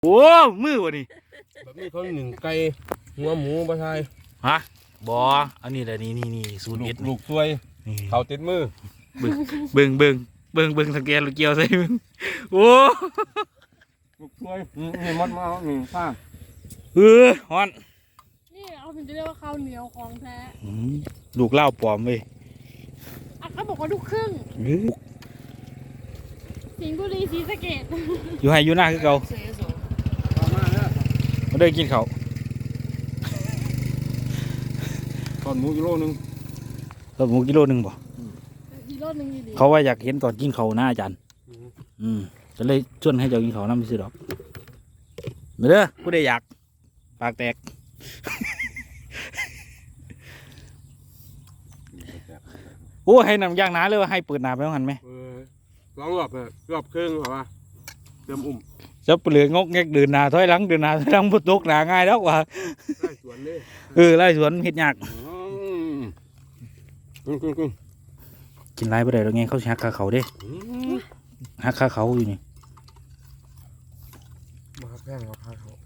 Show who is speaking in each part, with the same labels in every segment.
Speaker 1: โอ้มือวะนี่
Speaker 2: แบบนี้เขาหนึ่งไก่หัวหมูปลาไทย
Speaker 1: ฮะบออันนี้แหละนี่สูตรเด็ด
Speaker 2: ลูกซวยเขาติดมือ
Speaker 1: เบิ่งสังเกตลูกเกียวใส่มึงโอ้
Speaker 2: ลูกซวยนี่มัดมาหนึ่งข้าง
Speaker 1: ฮอน
Speaker 3: นี่เอาถึงจะเรียกว่าข้าวเหนียวของแท้
Speaker 1: ลูกเล่าปลอมเว้ย
Speaker 3: เขาบอกว่าลูกครึ่งสิงห์บุรีศรีสะเกษ
Speaker 1: อยู่ให้อยู่หน้าคือเก่ามาเดินกินเขา
Speaker 2: ตอนหมูกิโลนึง
Speaker 1: หมูกิโลนึงบ่
Speaker 3: กิโลนึงดี
Speaker 1: เขาว่าอยากเห็นตอนกินเขาหน้าอาจารย์จะเลยชวนให้เจ้ากินเขาน้ำไม่ซื้อดอกมาเด้อผู้ใดอยากปากแตกโอ้ให้นำย่างน้าเลยว่าให้เปิดหนาไปว่าหันไหม
Speaker 2: ร้องรอบครึ่งเหรอวะเติมอุ่ม
Speaker 1: จะเปลือกงกแงกเดินหนาถอยหลังพุทกหนาง่ายแล้วว่ะ
Speaker 2: ไล่สวนเลย
Speaker 1: ไล่สวนเห็ดยากกินไรไปได้แล้วไงเขาหักขาเขาเด้หักขาเขาอยู่นี่
Speaker 2: มาแพงเขาขาเขา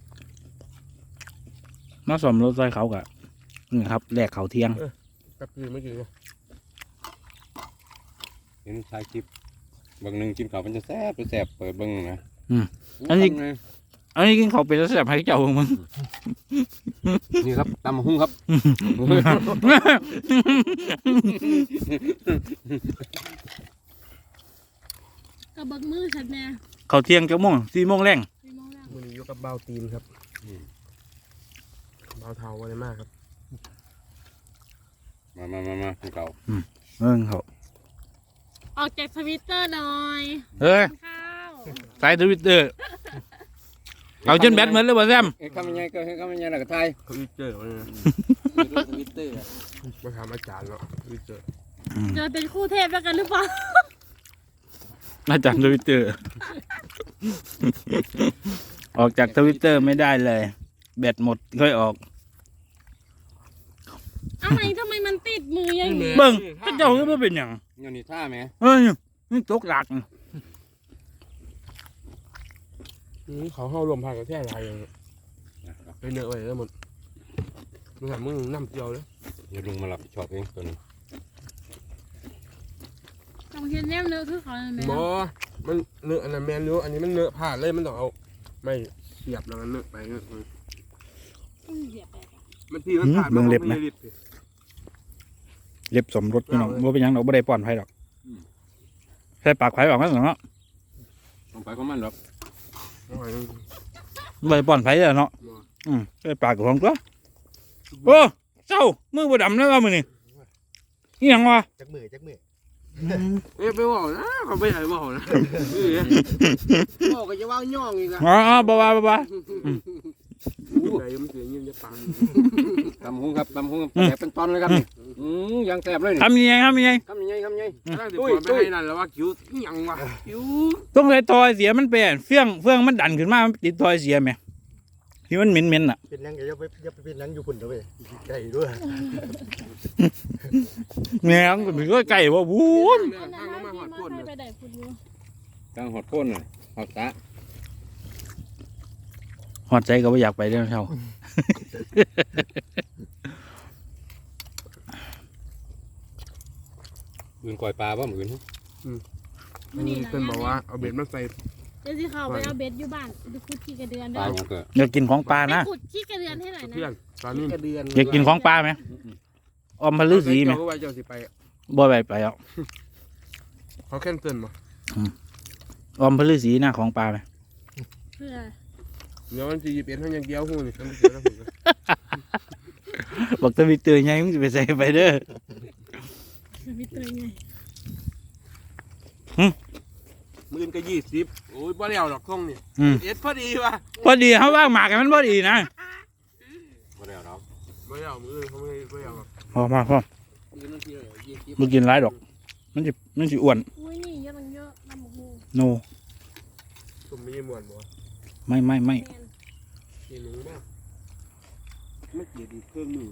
Speaker 1: มาสมรถไฟเขากะนี่ครับแลกเขาเที่ยง
Speaker 2: กับกินไม่กิน
Speaker 4: เห็นชายคลิปบางหนึ่งกินข้าวมันจะแซ่บเปิดเบิ้งนะ
Speaker 1: อันนี้กินเขาเป็นแซ่บให้เจ้ามึง
Speaker 4: นี่ครับตำหุ้งครับ
Speaker 3: กระเบิกมือฉันแน่
Speaker 1: เขาเที่ยง4 โมงแรง
Speaker 2: วันนี้ยกกับเบาตีนครับเบาเท้าอะไรมากครับ
Speaker 4: มากินข้าว
Speaker 1: เขา
Speaker 3: ออกจากทวิตเตอร์หน่อย
Speaker 1: ใส่ทวิตเตอร์เอาจนแบตเหมือนเลยบ่แซม
Speaker 4: คำยังไงก็คำยังไงล่ะก็ไทย
Speaker 2: ทวิตเตอร์
Speaker 4: ทวิตเตอร์
Speaker 2: มาถามอาจารย์เนาะทวิตเตอร์
Speaker 3: จะเป็นคู่เทพแล้วกันหรือเปล่า
Speaker 1: อาจารย์ทวิตเตอร์ออกจากทวิตเตอร์ไม่ได้เลยแบตหมดค่อยออก
Speaker 3: ทำไมมันติดมืออย่างนี้
Speaker 1: เบิ่งพระเจ้าก็ไม่เป็นอย่าง
Speaker 4: นี่ท่าไหม
Speaker 1: นี่ตกหลัก
Speaker 2: เขาเข้ารวมพากันแค่ไรอย่างไปเนื้อไปแล้วหมดมึงทำมึงน้ำเจียวเลย
Speaker 4: อย่าลุงมาหลับชอบเองตัวนึง
Speaker 3: ต้องเห็นแนมเนื้อคือเขาไหม
Speaker 2: บอมันเนื้ออันนั้นแมนเนื้ออันนี้มันเนื้อผ่าเลยมันต้องเอาไม่เสียบแล้วมันเนื้อไปเนื้อมันทีมันผ่า
Speaker 1: เมืองเล็บนะเล็บสมรสพี่น้องว่าเป็นยังเราไม่ได้ป้อนไผ่หรอกใส่ปากไผ่ออกมาหรอเนาะ
Speaker 4: ต้องไปของมันหรอก
Speaker 1: ไม่ป้อนไผ่เลยเนาะใส่ปากของตัวโอ้เจ้ามือบดำแล้วว่ามือนี่นี่ยังวะ
Speaker 2: จักมือไปบอกนะเขาไม่ใช่บอกนะบอกก็จะว่าย่องอีกนะ
Speaker 1: บ้า
Speaker 2: ใจมันเสียเงินจะปัง
Speaker 4: ตำหุ้งครับแสบเป็นตอนเลยครับยังแสบเลย
Speaker 1: ทำยังไง
Speaker 2: ตุ้ยไปให้นั่นแล้วว่าคิ้วยังวะคิ้ว
Speaker 1: ต้องเลยทอยเสียมันเป็นเฟื่องมันดันขึ้นมามันติดทอยเสียไหมที่มันเหม็นอ่ะ
Speaker 2: เป็นยังอย่าไปเป็นยังอยู่ฝุ่นเถอะเว้ยไก่ด้วย
Speaker 1: แม่งก็มีก็ไก่ว่าวู้น
Speaker 4: กลางหอดก้นเลยหอดตา
Speaker 1: หอดใจก็ไม่อยากไปเรื่องเช่า
Speaker 4: อื่นก่อยปลาบ้างอื่น
Speaker 2: เป็นบอกว่าเอาเบ็ดมาใส่
Speaker 3: เดี๋ยวสิเขาไปเอาเบ็ดอยู่บ้านไปขุดขี้กระเดือนได้
Speaker 1: อยากกินของปลานะ
Speaker 3: ขุดขี้กระเดือนให้หน่อยนะ
Speaker 2: ปลานี่กระเดือน
Speaker 1: อยากกินของปลาไหมอมพลือสีไหมบ่ไปอ่ะ
Speaker 2: เขาแค่เตือนมา
Speaker 1: อมพลือสีหน้าของปลาไหม
Speaker 3: เพื่อ
Speaker 2: เดี๋ยวมันจะหยิบเอ็นให้ยังเกี้ยวหูนี่ฉันไม่เจอแล้ว
Speaker 1: บอกจะมีเตือนไงมึงจะไปใส่ไปเด้อ
Speaker 3: มีเตือนไง
Speaker 2: มื่นก็20โอ้ยบ่แล้วดอกท่งนี่เอ็ดพอดีว่ะ
Speaker 1: พอดีเขาว่างหมากกันมันพอดีนะ
Speaker 4: บ่แล้วครับ
Speaker 2: บ่แล้วมือเขาไม่แล้ว
Speaker 1: พอมึงกินไรดอกมันจะอ้วน
Speaker 3: อุ้ยนี่เยอะน้ำหมู
Speaker 1: โน
Speaker 2: ตุ่มมีมวนบ่
Speaker 1: ไม่
Speaker 2: กินหนูบ้างไม่เกลียดอีกเครื่องมือ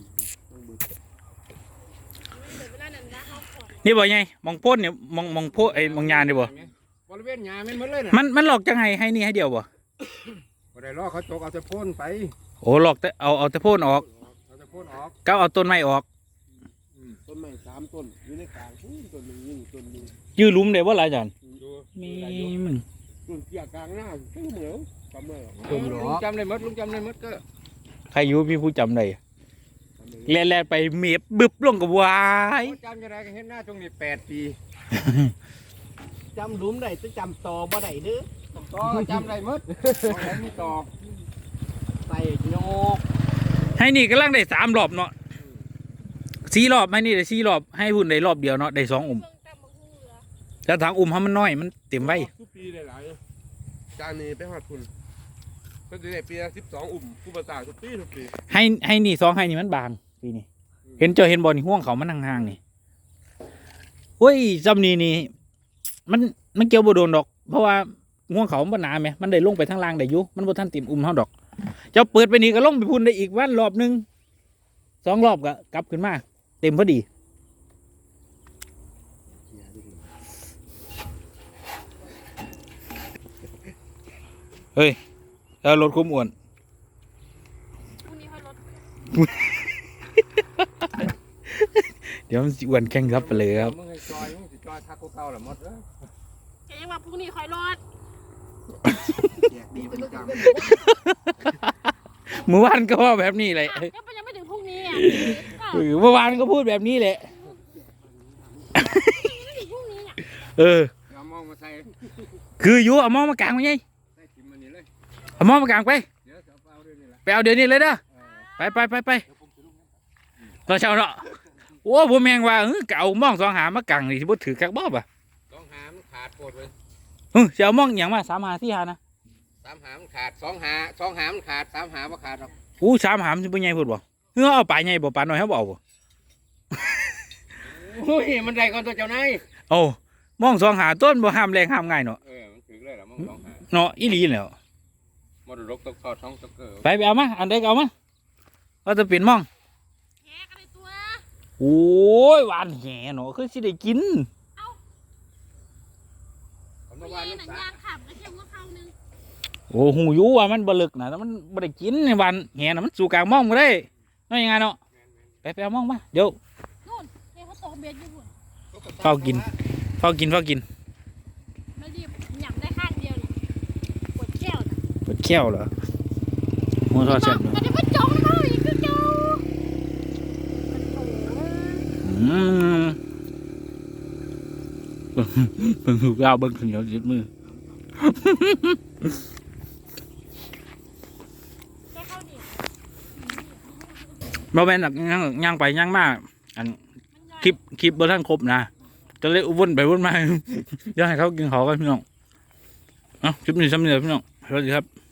Speaker 1: นี่บ่ไงมองพ่นเนี่ยมองพ่นไอ้มองยานนี่บ่
Speaker 2: บริเวณหญ้ามันหมดเลยนะ
Speaker 1: มันหลอกจังไงให้นี่ให้เดียวบ่
Speaker 4: ได้รอเขาจกเอาแต่โพ่นไป
Speaker 1: โอ้หลอกแต่เอาแต่โพ่นออก
Speaker 4: เอาแต่โพ่นออก
Speaker 1: ก็เอาต้นไม้ออก
Speaker 2: ต้นไม้3ต้นอยู่ในกลางต้นนึงยิ่งต้นนึง
Speaker 1: ยื้อหลุมได้บ่ล่ะอาจารย์
Speaker 2: ดู
Speaker 1: มีมึง
Speaker 2: ต้นเกี่ยกลางหน้าทั้งเหนียวจำได้หรอ
Speaker 4: ลุงจำได้หมดลุงจำได้หมดก็
Speaker 1: ใครอยู่พี่ผู้จำได้แล่นๆไปเมียบบึบลงกับวาย
Speaker 4: จำยังไงก็เห็นหน้าตรงนี้8 ปี
Speaker 2: จำหลุมได้จะจำต่อบ่ได้เด้อ
Speaker 4: ก็จำได้หมดบ่ได้มีตอก
Speaker 2: ใส่โยก
Speaker 1: ให้นี่กำลังได้3รอบเนาะ4รอบให้นี่ได้4รอบให้พุ่นได้รอบเดียวเนาะได้2
Speaker 3: เพิ่งตำบักหุ่งเหลือ
Speaker 1: แล้วทางให้มันน้อยมันเต็มไว้
Speaker 2: ทุกปีหลายๆจานนี้ไปหอดคุณก็จะได้ปีละ12ผู้ประสาททุกปี
Speaker 1: ให้นี่2ให้นี่มันบางปีนี้เห็นเห็นบ่นี่ห่วงเขามันห่างๆนี่โอ้ยจำนี่มันเกี่ยวบ่โดนดอก เพราะว่าห่วงเขามันบ่หนาแหมมันได้ลงไปทางล่างได้อยู่มันบ่ทันเต็มเฮาดอกเจ้าเปิดไปนี่ก็ลงไปพุ่นได้อีกวันรอบนึง2รอบก็กลับขึ้นมาเต็มพอดีเฮ้ยแล้วรถคุ้มอ้วน
Speaker 3: พรุ่งนี้ค่อยลด
Speaker 1: เดี๋ยวมันสิอ้วนแข่งครับไปเลยครับ
Speaker 4: มึงให้จอยมึงสิจอยทักกูเก่าละหมดเด้อ
Speaker 3: แกยังว่าพรุ่งนี้ค่อยลด
Speaker 4: แยกดีเป็นจัง
Speaker 1: เมื่อวานก็ว่าแบบนี้เลย
Speaker 3: ก็ยังไม่ถึงพรุ่งนี้อ่ะ
Speaker 1: เมื่อวานก็พูดแบบนี้แหละ
Speaker 3: ไม่ถึงพรุ่งนี้อ่ะ
Speaker 1: เออ
Speaker 4: เอามองมาใส่
Speaker 1: คืออยู่เอาหมอมากางไว้ไง
Speaker 4: ใส่ทิมมันนี่เลย
Speaker 1: เอาหมอมากางไป
Speaker 4: เดี๋ยวจะเอาด้วยนี่แหละ
Speaker 1: ไปเอาเดี๋ยวนี้เลยเด้อไปตอนเช้าเนาะโอ้ผมแมงว่าก็เอาหมอง2หามากางนี่สิบ่ถือคักบ่ป่ะ
Speaker 4: 2 หามันขาดโคตรเลย
Speaker 1: สิเอาหมองหยังมา3หา4หานะ
Speaker 4: 3 หามันขาด2 หา2 หามันขาด3 หาบ่ขาดหรอก
Speaker 1: อู้3หามนสิบ่ใหญ่พุ่นบ่เอาปลาใหญ่บ่ปลาน้อยเฮาบ่เอาบ่
Speaker 4: โอ้ยมันได้ก่อนตัวเจ้านาย
Speaker 1: เอาหมอง2หาต้นบ่ห้ามแรงห้ามง่ายเนาะ
Speaker 4: มันถึงเลยล่ะมึง2 หา
Speaker 1: เนาะอีหลีแล้ว
Speaker 4: มรดกตกทอดท้องตกเกิด
Speaker 1: ไปเอามาอันใดก็เอามาว่าจะเปลี่ยนหมอง
Speaker 3: แหกันเลยตัว
Speaker 1: โอ้ยหวานแหเนาะคือสิได้กิน
Speaker 4: ผม
Speaker 3: ไม่
Speaker 4: มา
Speaker 3: ใช่
Speaker 4: วาน
Speaker 3: หนั
Speaker 4: น้ำ
Speaker 3: ง
Speaker 4: สาย
Speaker 3: างขับก็เที่ยวหัวเข้านึง
Speaker 1: โอ้หูอยู่ว่ามันบลึกนะแต่มันบ่ได้กินในวันแหน่ะมันสู่กลางหม่องบ่ได้น้อยยังไงเนาะไปเอาหม่องมาเดี๋ยว
Speaker 3: นู่นเฮ้ยเขาตกเบ็ดอยู่หุ่น
Speaker 1: เฝ้ากิน เฝ้ากิน
Speaker 3: ไม่รีบหยั่งได้ข้างเดียวเนี่ยปวดแก้วน่ะ
Speaker 1: เปิดแก้วเหรอหมูทอดแซ่บเนาะ
Speaker 3: ก็จะมาจ้องเขาอีกคือเจ้า
Speaker 1: อืมเบิ่งหูยาวเบิ่งขึ้นเหนียวติดมือ
Speaker 3: แค่เข้าดิ
Speaker 1: บ่แม่นแบบย่างไปย่างมาอันคลิปบ่ทันครบนะก็เลยวนไปวนมา เดี๋ยวให้เขากินเขากันพี่น้องเอ้าคลิปนี้ซ้ำนี่แหละพี่น้องสวัสดีครับ